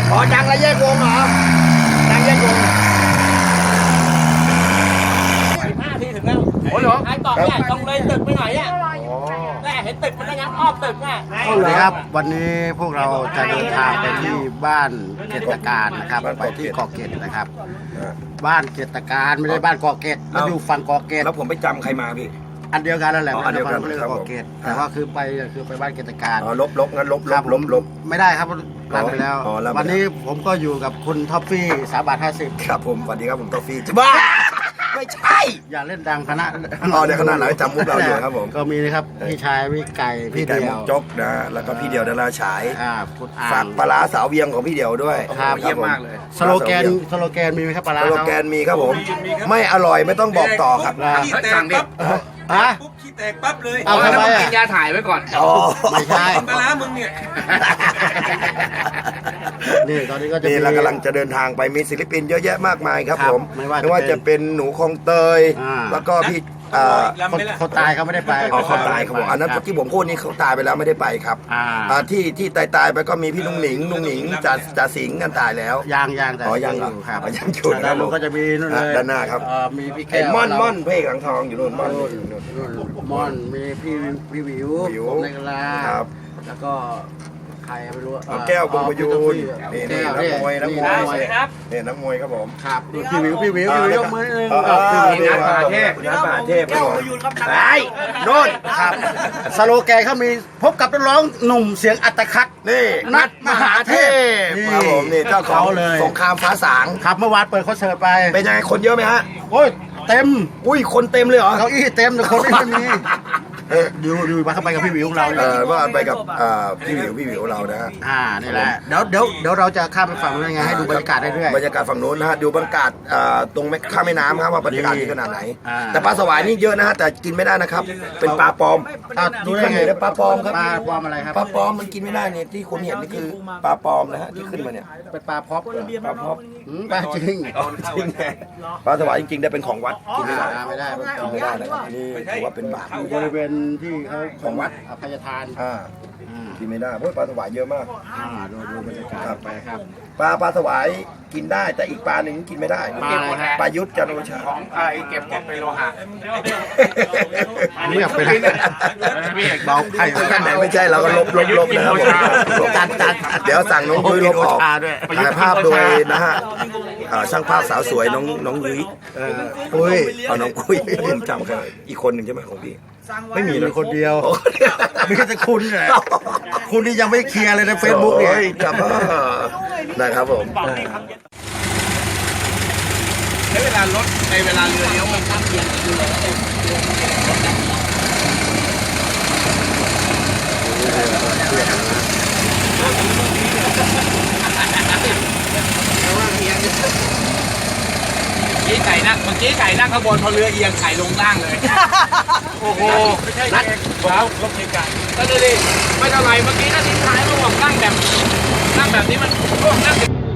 อ๋อดังแล้วแยกวงเหรอดังแยกวง 15 ทีถึงแล้วโอ้เหรอไอ้ต่อเนี่ยตรงเลยตึกไปหน่อยเนี่ยแม่เห็นตึกมันได้ยังอ้อมตึกอ่ะสวัสดีครับวันนี้พวกเราจะเดินทางไปที่บ้านเกตการนะครับไปที่เกาะเกตนะครับ บ้านเกตการไม่ได้บ้านเกาะเกตมันอยู่ฝั่งเกาะเกตแล้วผมไปจำใครมาพี่อันเดียวกันนั่นแหละอันเดียวกันเรียกว่าเกาะเกตแต่ว่าคือไปบ้านเกตการอ๋อลบงั้นลบครับ ไม่ได้ครับรันไปแล้วอ๋อรันไปแล้ววันนี้ผมก็อยู่กับคุณท็อฟฟี่3 บาท 50 ครับผมสวัสดีครับผมกาแฟจะบ้าไม่ใช่อย่าเล่นดังคณะอ๋อเดี๋ยวคณะไหนจำมุกเราอยู่ครับผมก็มีนะครับพี่ชายพี่ไก่พี่พี่ไก่เดีมุยวกจกนะแล้วก็พี่เดียวดาราฉายคุณอ่าฝากงปลาร้าสาวเวียงของพี่เดียวด้วยครับเยี่ยมมากเลยสโลแกนมีไหมครับปลาร้าสโลเขาแกนมีครับผม ไม่อร่อยไม่ต้องบอกต่อครับขี้แตกปั๊บฮะปุ๊บขี้แตกปั๊บเลยเอาทำไมอ่ะกินยาถ่ายไว้ก่อนอ๋อไม่ใช่ปลาร้ามึงเนี่ยนี่ตอนนี้ก็จะนี่มีเรากำลังจะเดินทางไปมีศิลปินเยอะแยะมากมายครับครับผมไม่ว่าว่าจะเป็นหนูคลองเตยอ่าแล้วก็พี่คนตายเขาไม่ได้ไปอ๋อเขาตายครับผมอันนั้นที่ผมพูดนี่เขาตายไปแล้วไม่ได้ไปครับ ที่ตายไปก็มีพี่ลุงหนิงจ่าสิงห์กันตายแล้วยางแต่อ๋อยังเหรอครับอ๋อยังอยู่นะครัด้าบนนู้นก็จะมีนู่นเลยด้านหน้าครับมีพี่แก้ไอ้วม่อนเพลงหลังทองอยู่นู่นม่อนอยู่นู่นม่อนมีพี่วิววิวผมในกะลาครับแล้วก็ใครไม่รู้แก้วบุญประยูนนี่แก้วนักมวยนักมวยนี่นี่นักมวยครับผมครับพี่วิวยกมือนึงพี่นัทมหาเทพนัทมหาเทพครับผมไอ้โน่นครับสโลแกนเขามีพบกับนักร้องหนุ่มเสียงอัตคัดนี่นัทมหาเทพครับผมนี่เจ้าของเลยสงครามฟ้าสางครับเมื่อวานเปิดคอนเสิร์ตไปเป็นยังไงคนเยอะไหมฮะโอ้ยเต็มอุ้ยคนเต็มเลยเหรอเก้าอี้เต็มแต่คนไม่มีดูมาเข้าไปกับพี่วิวของเราเนี่ยว่าไปกับพี่หวิวเรานะฮะนี่แหละเดี๋ยวเราจะข้ามไปฝั่งนู้นยังไงให้ดูบรรยากาศได้ด้วยบรรยากาศฝั่งโน้นนะฮะดูบรรยากาศตรงข้ามแม่น้ำครับว่าบรรยากาศดีขนาดไหนอ่าแต่ปลาสวายนี่เยอะนะฮะแต่กินไม่ได้นะครับ เป็นปลาปลอมดูได้ไงที่ขึ้นอยู่เนี่ยปลาปลอมครับปลาปลอมอะไรครับปลาปลอมมันกินไม่ได้เนี่ยที่คุณเห็นนี่คือปลาปลอมนะฮะที่ขึ้นมาเนี่ยเป็นปลาพร็อพปลาพร็อพปลาจริงจริงไงปลาสวายจริงๆได้เป็นของวัดกินไม่ได้ไม่ได้กินไม่ได้นะครับนี่ถือว่าเป็นบาปอยู่บริเวณที่เขาของวัดอภัยทานกินไม่ได้เพราะปลาสวายเยอะมากดูบรรยากาศไปครับปลาสวายกินได้แต่อีกปลาหนึ่งกินไม่ได้ปลาอะไรฮะปลายุทธจันโอชาเก็บไปโลหะเงียบไปเลยเบาไข่ไหนไม่ใช่เราก็ลบนะครับผมเดี๋ยวสั่งน้องยุ้ยลบออกถ่ายภาพโดยนะฮะช่างภาพสาวสวยน้องยุ้ยปุ้ยเอาน้องปุ้ยผมจำกันอีกคนหนึ่งใช่ไหมของพี่ไม่มีมีนะคนเดียวมีแค่คุณแหละคุณนี่ยังไม่เคลียร์เลยในเฟซบุ๊กเนี่ยครับนะครับผมใช้เวลารถในเวลาเรือเลี้ยวมันตั้งเย็นอยู่เลย เมื่อกี้ไก่นั่งข้างบนพอเรือเอียงไข่ลงล่างเลย โอ้โหไม่ใช่นัดครับรถไก่ก็เลยดิไม่เท่าไรเมื่อกี้นั่งทิ้งท้ายเขาบอกนั่งแบบนี้มันร่วงนั่ง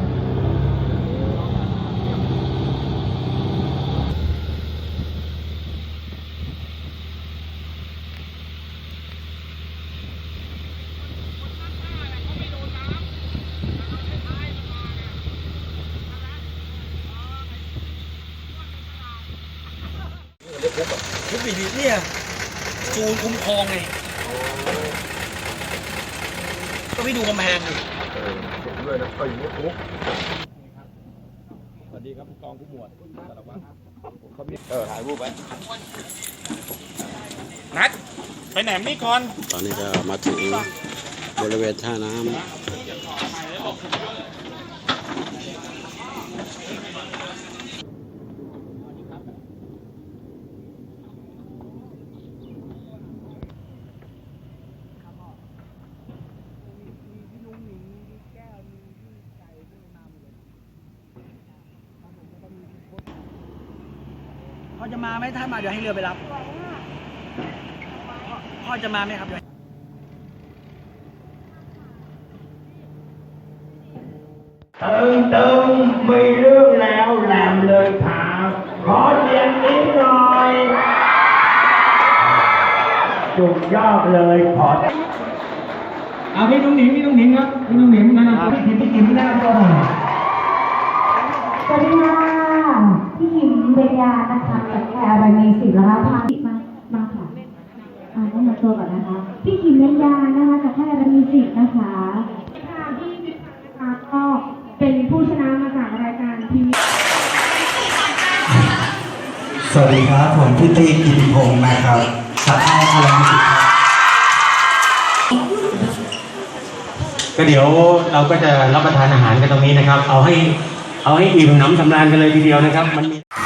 ทุกปีนี้เนี่ยจูนคุ้มครองไงก็ไม่ดูกำแพงเลยด้วยนะก็อยู่ในคุกสวัสดีครับผู้กองผู้หมวดสารวัตรถ่ายรูปไว้นัดไปไหนนี่ก่อนตอนนี้ก็มาถึงบริเวณท่าน้ำพ่อจะมาไหมถ้ามาเดี๋ยวให้เรือไปรับพ่อจะมาไหมครับตึงมีเรื่องแล้วแหลมเลยถามขอเสียงนิดหน่อยสุดยอดเลยขอเอาพี่น้องหนิงครับพี่น้องหนิงนะครับพี่กิมแนะนำตัวหน่อยสวัสดีค่ะพี่หญิงเบญญานะคะจากแพรอะไรมีสิทธิ์แล้วคะมาค่ะแนะนำตัวก่อนนะคะพี่หญิงเบญญานะคะจากแพรอะไรมีสิทธิ์นะคะค่ะพี่นะคะก็เป็นผู้ชนะมาจากรายการทีวีสวัสดีครับผมพี่ตีกิติพงศ์นะครับจากค่ายอะไรมิสิครับก็เดี๋ยวเราก็จะรับประทานอาหารกันตรงนี้นะครับ เอาให้อิ่มหนำสำราญกันเลยทีเดียวนะครับมันมี